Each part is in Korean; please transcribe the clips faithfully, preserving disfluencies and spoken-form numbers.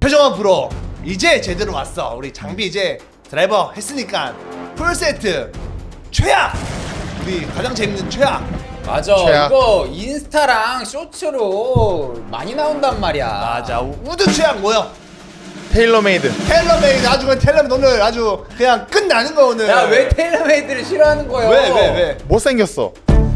최종원 프로 이제 제대로 왔어. 우리 장비 이제 드라이버 했으니까 풀세트 최악! 우리 가장 재밌는 최악! 맞아. 최악. 이거 인스타랑 쇼츠로 많이 나온단 말이야. 맞아. 우드 최악 뭐야? 테일러메이드. 텔러메이드 아주 그냥 텔러메이드 오늘 아주 그냥 끝나는 거 오늘. 야, 왜 테일러메이드를 싫어하는 거야? 왜 왜 왜? 못생겼어.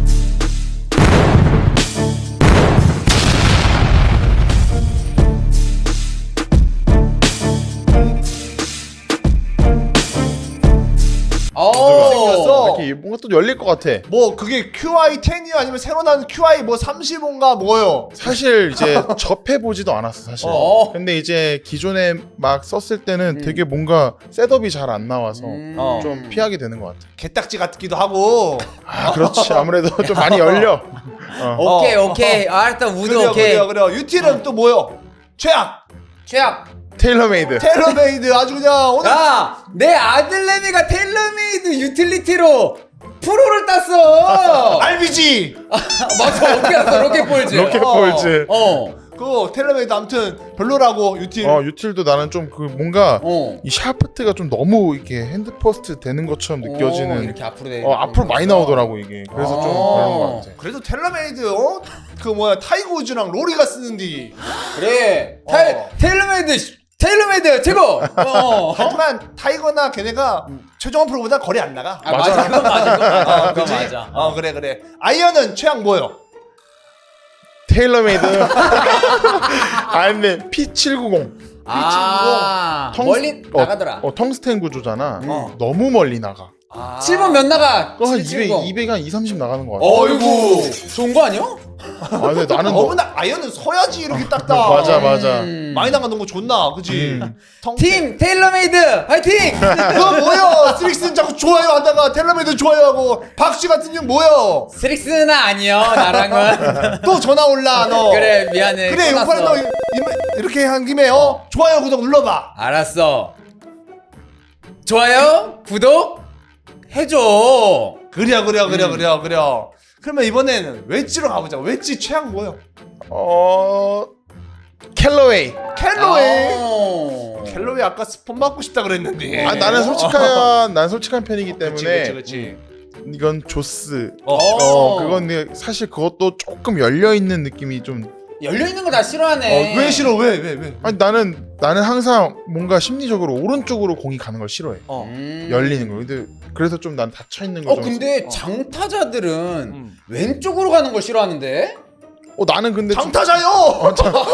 어. 생겼어. 이렇게 뭔가 또 열릴 것 같아. 뭐 그게 큐아이 텐이요 아니면 새로 나온 큐아이 뭐 삼십오인가 뭐요? 사실 이제 접해보지도 않았어 사실. 어. 근데 이제 기존에 막 썼을 때는 되게 뭔가 셋업이 잘 안 나와서 음. 어. 좀 피하게 되는 것 같아. 개딱지 같기도 하고. 아 그렇지. 아무래도 좀 많이 열려. 어. 오케이, 어, 오케이. 아, 일단 우드 그래요 오케이. 그래요 그래요. 유틸은 또 뭐요? 최악! 최악. 테일러메이드. 텔러메이드 아주 그냥 오늘 야, 내 아들내미가 테일러메이드 유틸리티로 프로를 땄어. 알비지! 맞아, 어떻게 알았어? 로켓볼즈. 로켓볼즈. 어. 그 텔러메이드 아무튼 별로라고 유틸. 어 유틸도 나는 좀 그 뭔가 어. 이 샤프트가 좀 너무 이렇게 핸드 퍼스트 되는 것처럼 어, 느껴지는. 이렇게 앞으로 돼. 어 앞으로 많이 나오더라고 이게. 그래서 좀 어. 그런 것 같아. 그래도 텔러메이드 어? 그 뭐야 타이거 우즈랑 로리가 쓰는디. 그래. 어. 테, 테일러메이드 씨, 테일러메이드 최고. 어. 하지만 타이거나 걔네가 최종원 프로보다 거리 안 나가. 아, 맞아. 그건 맞아. 그건 맞아. 어, 그건 그지? 맞아. 어 그래 그래. 아이언은 최악 뭐요? 테일러메이드. 아 근데 피 칠백구십. 아, 텅- 멀리 어, 나가더라. 어 텅스텐 구조잖아. 어. 너무 멀리 나가. 아. 칠 번 몇 나가? 그거 한 칠십구. 이백, 이백 한 이, 삼십 나가는 것 같아. 어이구. 좋은 거 아니야? 아 근데 나는 너 어머나 아이언은 서야지 이렇게 딱딱. 맞아 맞아. 음. 많이 나가는 거 좋나 그지? 음. 텅- 팀 테일러메이드 화이팅! 너 뭐야? 스릭슨 자꾸 좋아요 하다가 텔러메이드 좋아요하고 박씨 같은 년 뭐야? 스릭스는 아니요 나랑은. 또 전화 올라 너. 그래 미안해. 그래 끊었어. 용팔 너 이- 이- 이렇게 한 김에 어 좋아요 구독 눌러봐. 알았어. 좋아요 구독 해줘. 그래요 그래요 그래요 음. 그래요 그래요. 그러면 이번에는 웨지로 가보자. 웨지 최악 뭐요? 어 캘러웨이. 캘로웨이. 어. 캘로웨이 아까 스폰 맞고 싶다 그랬는데. 아 나는 솔직한 난 솔직한 편이기 그치 때문에 그치 그치. 이건 조스. 어. 어 그건 근데 사실 그것도 조금 열려 있는 느낌이 좀. 열려 있는 거 다 싫어하네. 어, 왜 싫어 왜 왜 왜? 아니 나는 나는 항상 뭔가 심리적으로 오른쪽으로 공이 가는 걸 싫어해. 어. 음. 열리는 거. 근데 그래서 좀 난 닫혀 있는 거. 어 좀- 근데 어. 장타자들은 음. 왼쪽으로 가는 걸 싫어하는데? 어 나는 근데 좀- 장타자요.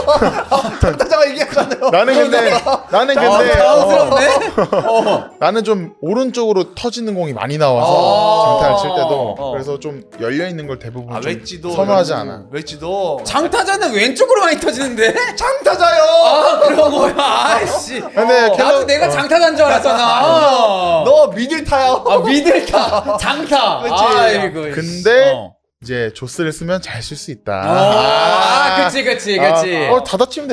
장타자가 얘기하잖아요. 나는 근데 나는 아, 근데 어, 당황스럽네. 어. 나는 좀 오른쪽으로 터지는 공이 많이 나와서 아. 장타를 칠 때도 어. 그래서 좀 열려 있는 걸 대부분 아 좀 웨지도 선호하지 않아. 웨지도 장타자는 왼쪽으로 많이 터지는데? 장타자요. 아 그런 거야. 아이씨. 근데 어. 캘러- 나도 내가 어. 장타자인 줄 알았잖아. 너 미들 타요. 아 미들타 장타. 그치. 아이고. 근데 어. 이제 조스를 쓰면 잘 쓸 수 있다. 아, 그치 그치 그치. 아, 어 닫아치면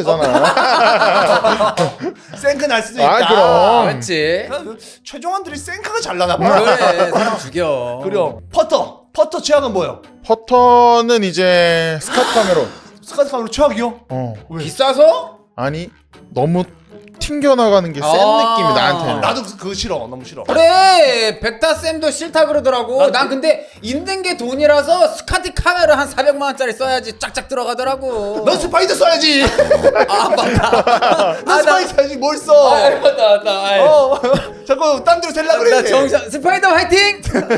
되잖아. 생크 날 수도 아, 있다. 그럼. 그렇지. 최종원들이 생크가 잘 나나 봐. 그래 사람 죽여. 그래요. 퍼터. 퍼터 최악은 뭐예요? 퍼터는 이제 스카트 카메론. 스카트 카메로 최악이요? 어 왜? 비싸서? 아니 너무 튕겨 나가는 게 센 아. 느낌이 나한테는. 나도 그- 그거 싫어. 너무 싫어. 그래 백타 쌤도 싫다 그러더라고. 난 난 그- 근데 있는 게 돈이라서 스카티 카메라 한 사백만 원짜리 써야지 쫙쫙 들어가더라고. 넌 스파이더 써야지. 아 맞다. 넌 스파이더 써야지 뭘 써? 아 맞다 맞다. 아이. 어. 자꾸 딴 데로 셀라 그래. 나 정신 스파이더 화이팅.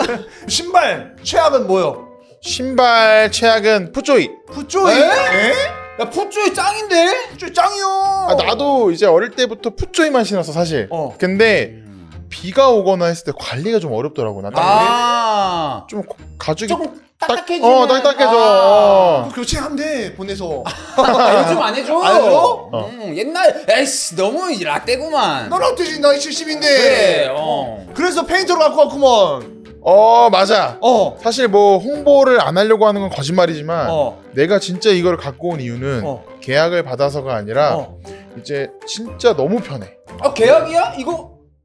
신발 최악은 뭐요? 신발 최악은 푸조이. 푸조이. 에? 에? 야 푸쭈이 짱인데? 푸조이 짱이요. 아, 나도 이제 어릴 때부터 푸조이만 신었어 사실. 어. 근데 비가 오거나 했을 때 관리가 좀 어렵더라고. 나 아 좀 가죽이 조금 딱- 딱딱해지는. 어 딱딱해져. 어, 교체하면 돼 보내서. 아, 요즘 안 해줘. 안 해줘? 어. 음, 옛날 에이씨 너무 라떼구만. 넌 어때지? 나 칠십인데. 그래. 어. 그래서 페인터로 갖고 왔구먼. 어 맞아. 어. 사실 뭐 홍보를 안 하려고 하는 건 거짓말이지만 어. 내가 진짜 이걸 갖고 온 이유는 어. 계약을 받아서가 아니라 어. 이제 진짜 너무 편해. 아 계약이야? 이거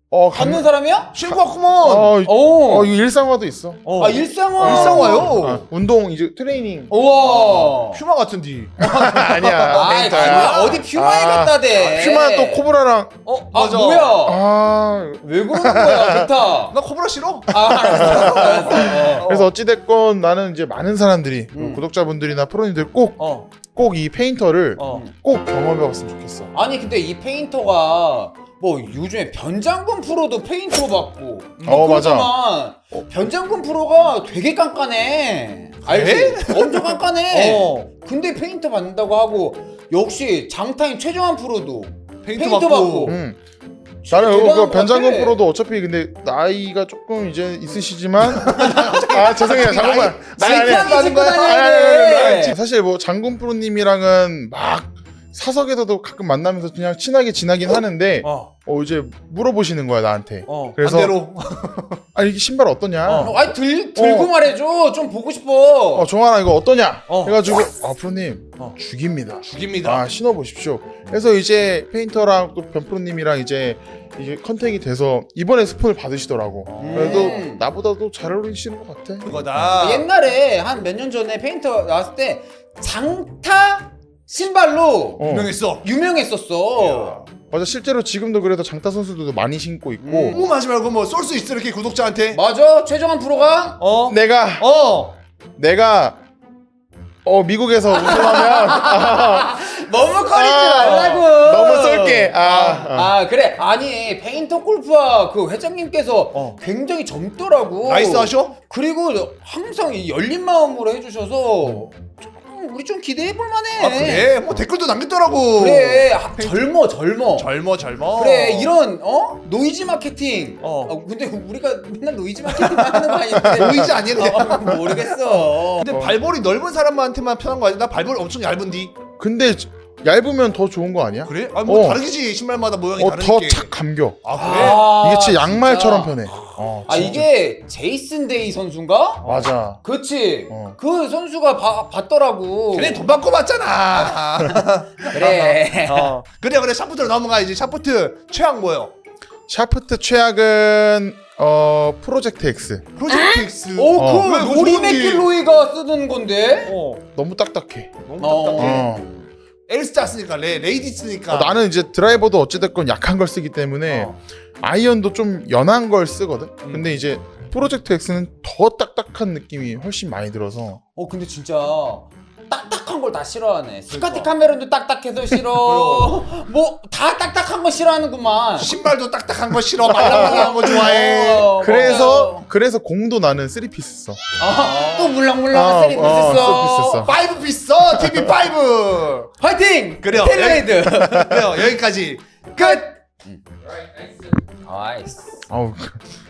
어 갖는 사람이야? 신고 왔구먼. 어, 오. 어 이거 일상화도 있어. 어. 아 일상화. 일상화요? 아, 운동 이제 트레이닝. 우와. 퓨마 같은디. 아니야. 아, 페인터야. 퓨마, 어디 퓨마에 아, 갖다 대. 퓨마 또 코브라랑. 어 아 맞아. 뭐야? 아 왜 그러는 거야, 비타? 나 코브라 싫어. 아, 알았어, 알았어. 그래서 어찌 됐건 나는 이제 많은 사람들이 음. 구독자분들이나 프로님들 꼭 꼭 이 어. 페인터를 어. 꼭 경험해봤으면 좋겠어. 아니 근데 이 페인터가 뭐 요즘에 변장군 프로도 페인터 받고 어, 맞아. 그렇지만 변장군 프로가 되게 깐깐해. 알지? 엄청 깐깐해. 어. 근데 페인터 받는다고 하고 역시 장타임 최정환 프로도 페인트, 페인트 받고. 받고. 음. 진짜 나는 대단한 그 것 변장군 같아. 프로도 어차피 근데 나이가 조금 이제 있으시지만 아 죄송해요 잠깐만 나이트하게 짚고 아니, 아니, 다녀야 아니, 아니, 돼. 아니. 사실 뭐 장군 프로님이랑은 막 사석에서도 가끔 만나면서 그냥 친하게 지나긴 하는데 어. 어 이제 물어보시는 거야 나한테. 어. 그래서 반대로. 아 이게 신발 어떠냐? 어. 어, 어, 아니 들, 들고 어. 말해줘. 좀 보고 싶어. 종환아 이거 어떠냐? 어. 해가지고 아 프로님 어. 죽입니다. 죽입니다. 아 신어보십시오. 그래서 이제 페인터랑 또 변프로님이랑 이제 이게 컨택이 돼서 이번에 스폰을 받으시더라고. 음. 그래도 나보다도 잘 어울리시는 것 같아. 그거다. 옛날에 한 몇 년 전에 페인터 나왔을 때 장타 신발로 어. 유명했어. 유명했었어. 맞아 실제로 지금도 그래도 장타 선수들도 많이 신고 있고 음. 궁금하지 말고 뭐 쏠 수 있어 이렇게 구독자한테. 맞아, 최정환 프로가. 어. 내가 어. 내가 어 미국에서 우승하면 머뭇거리지 아, 말라고. 너무 쏠게. 아, 아. 아 그래 아니 페인터 골프와 그 회장님께서 어. 굉장히 젊더라고. 나이스 하셔? 그리고 항상 이 열린 마음으로 해주셔서 좀 우리 좀 기대해 볼 만해. 아 그래? 뭐 댓글도 남겼더라고. 그래 아, 젊어 젊어. 젊어 젊어. 그래 이런 어 노이즈 마케팅. 어. 아, 근데 우리가 맨날 노이즈 마케팅만 하는 거 아닌데. 노이즈 아니야 그냥. 어, 모르겠어. 근데 발볼이 넓은 사람한테만 편한 거 아니야? 나 발볼 엄청 얇은디. 근데 얇으면 더 좋은 거 아니야? 그래? 아 뭐 어. 다르지 신발마다 모양이 어 다르니까. 더 착 감겨. 아 그래? 아, 이게 진짜 양말처럼 진짜. 편해. 어, 아 진짜. 이게 제이슨 데이 선수인가? 맞아. 그치. 어. 그 선수가 봐, 봤더라고. 걔네 돈 받고 받잖아. 그래. 어. 그래 그래 샤프트로 넘어가 이제 샤프트 최악 뭐요? 샤프트 최악은 어 프로젝트 X. 프로젝트 X. 오, 어. 그 왜, 그거 로리 좋은데? 맥킬로이가 쓰는 건데. 어. 너무 딱딱해. 너무 어. 답답해. 어. 엘스타 쓰니까 레 레이디 쓰니까. 어, 나는 이제 드라이버도 어찌됐건 약한 걸 쓰기 때문에 어. 아이언도 좀 연한 걸 쓰거든. 음. 근데 이제 프로젝트 X는 더 딱딱한 느낌이 훨씬 많이 들어서 어 근데 진짜 딱딱한 걸 다 싫어하네. 스카티 카메론도 딱딱해서 싫어. 뭐 다 딱딱한 거 싫어하는구만. 신발도 딱딱한 거 싫어. 말랑말랑한 거 좋아해. 어, 그래서 맞아요. 그래서 공도 나는 쓰리 피스 써. 아, 또 물랑물랑한 어, 세리 어, 있었어. 써. 파이브 피스 써. 티비 파이브. 화이팅. 그래요. 텔레이드. 그래요. 여기까지. 끝. 아이스. 아우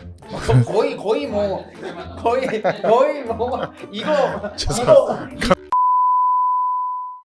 거의 거의 뭐 거의 거의 뭐 이거 이거